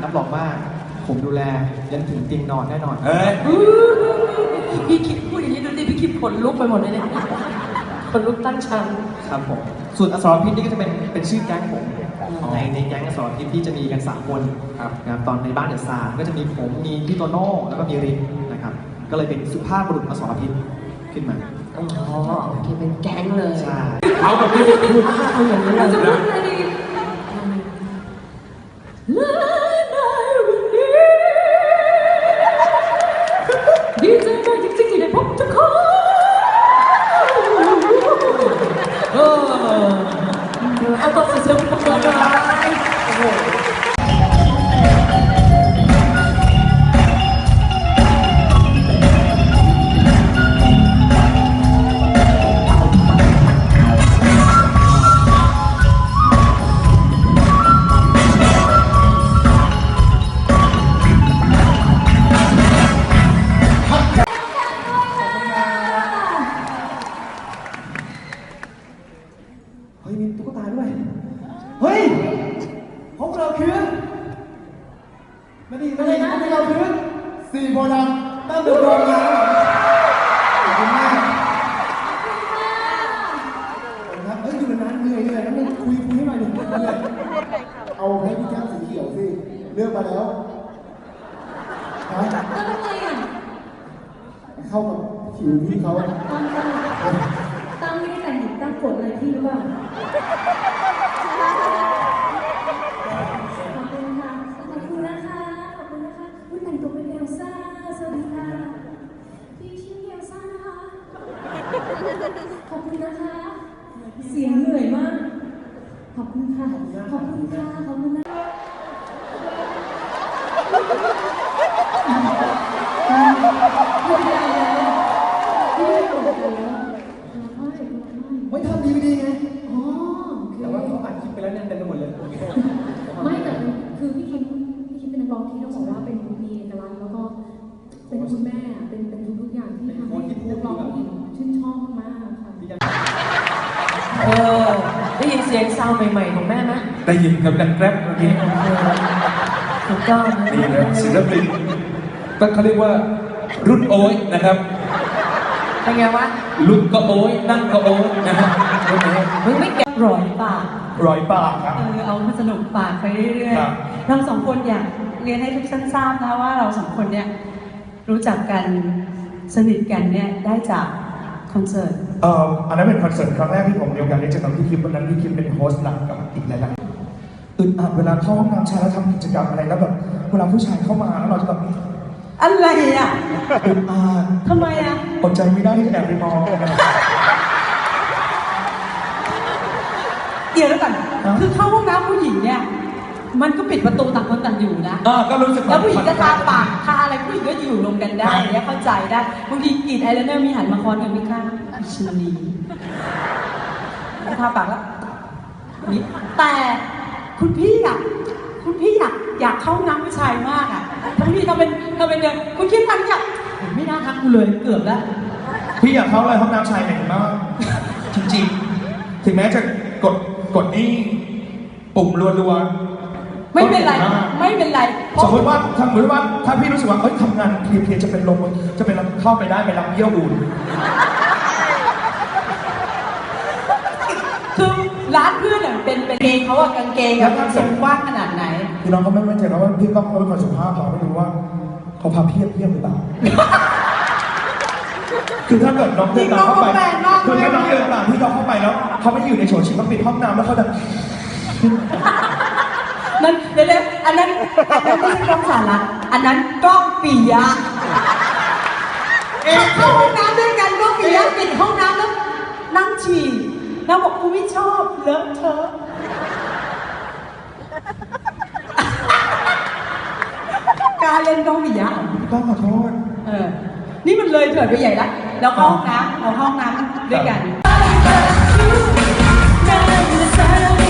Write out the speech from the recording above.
รับรองว่าผมดูแลยันถึงเตียงนอนแน่นอนพี่คิดพูดอย่างนี้ดูดิพี่คิดขนลุกไปหมดเลยเนี่ยขนลุกตั้งชั้นครับผมส่วนอสรพิษนี่ก็จะเป็นชื่อแก๊งผมในแก๊งอสรพิษที่จะมีกัน3 คนนะครับตอนในบ้านเดอะซาร์ก็จะมีผมมีพี่โตโน่แล้วก็มีรินนะครับก็เลยเป็นสุภาพบุรุษอสรพิษขึ้นมาอ๋อโอเคเป็นแก๊งเลยใช่เอาแบบนี้พูดเอาอย่างนี้เลยนะดีใจมากจริงๆที่ได้พบทุกคนเอาตัวเสียงประกอบเลยโอ้โหมีตุ๊กตาด้วยเฮ้ยพวกเราคือไม่ดีพวกเราคือ4 โพธิ์ดำตั้งแต่โดนมาขอบคุณมากครับอยู่นานเหนื่อยแล้วมึงคุยให้หน่อยหนึ่งเอาให้พี่แก้มสีเขียวสิเลือกมาแล้วแล้วทำไมอ่ะเข้ากับผิวพี่เขาตั้งไม่ได้แต่งหญิงตั้งกดอะไรพี่หรือเปล่าขอบคุณค่ะขอบคุณนะคะขอบคุณนะคะอุ๊ยแต่งตัวเป็นเอลซ่าสวัสดีค่ะพี่ชื่อเอลซ่านะคะขอบคุณนะคะเสียงเหนื่อยมากขอบคุณค่ะขอบคุณค่ะขอบคุณนะไม่ทำดีไงอ๋อแต่ว่าเขาอัดคลิปไปแล้วเนี่ยเต็มไปหมดเลยไม่แต่คือพี่คิมเป็นนักร้องที่ต้องบอกว่าเป็นมีเอกลักษณ์แล้วก็เป็นคุณแม่เป็นทุกอย่างที่ทำให้นักร้องผู้หญิงชื่นชอบมากค่ะได้ยินเสียงซาวใหม่ๆของแม่ไหมได้ยินกับดังแกร็บเมื่อกี้ถูกต้องนี่นะศิลปินต้องเขาเรียกว่ารุ่นโอ้ยนะครับเป็นไงวะลุกก็โอ้ยนั่งก็โอ้ยนะฮะมึงไม่แกะร้อยปากครับเอามาสนุกปากไปเรื่อยๆเรา2 คนอยากเรียนให้ทุกท่านทราบนะว่าเรา2 คนเนี่ยรู้จักกันสนิทกันเนี่ยได้จากคอนเสิร์ตอันนั้นเป็นคอนเสิร์ตครั้งแรกที่ผมมีโอกาสได้เจอกับพี่คิมวันนั้นพี่คิมเป็นโฮสต์หลักกับอีกหลายๆอึดอัดเวลาเข้าห้องน้ำชายแล้วทำกิจกรรมอะไรแล้วแบบเวลาผู้ชายเข้ามาแล้วเราจะแบบอะไรอ่ะอึดอัดทำไมอ่ะอดใจไม่ได้ที่จะแอบไปมองเดี๋ยวแล้วก่อนคือเข้าห้องน้ำผู้หญิงเนี่ยมันก็ปิดประตูต่างคนต่างอยู่นะก็รู้สึกแล้วผู้หญิงก็ทาปากทาอะไรผู้หญิงก็อยู่รวมกันได้เนี่ยเข้าใจได้บางทีกรีดไอไลเนอร์มีหันมาคอนกันไม่ข้างชิลีทาปากแล้วนี่แต่คุณพี่อยากเข้าน้ำผู้ชายมากอ่ะทั้งพี่ทำเป็นเนี่ยคุณคิดมันอยากไม่น่าทักกูเลยเกือบแล้วพี่อยากเข้าเลยห้องน้ำชายไหนมากจริงๆถึงแม้จะกดนี่ปุ่มรัวๆไม่เป็นไรสมมติว่าถ้าพี่รู้สึกว่าทำงานเพลียจะเป็นลมจะเป็นเข้าไปได้ไปรับเยี่ยวอุ่นคือร้านเพื่อนเนี่ยเป็นเกงเขาอะกางเกงกับทรงกว้างขนาดไหนพี่น้องเขาไม่มั่นใจว่าพี่ก้องเขาเป็นคนสุภาพเขาไม่รู้ว่าเขาพาเพียบหรือเปล่าคือถ้าเกิดน้องเดินตามเข้าไปคือถ้าน้องเดินตามพี่ก้องเข้าไปแล้วเขาไม่อยู่ในโฉดฉิงเขาปิดห้องน้ำแล้วเขาจะนั่นเดี๋ยวอันนั้นไม่ใช่กล้องสาระอันนั้นกล้องปิยะเข้าห้องน้ำด้วยกันกล้องปิยะปิดห้องน้ำแล้วนั่งฉี่แล้วบอกกูไม่ชอบเลอะเทอะการเล่นกล้องปิยะต้องขอโทษนี่มันเลยเถิดไปใหญ่แล้วเราเข้าห้องน้ำด้วยกัน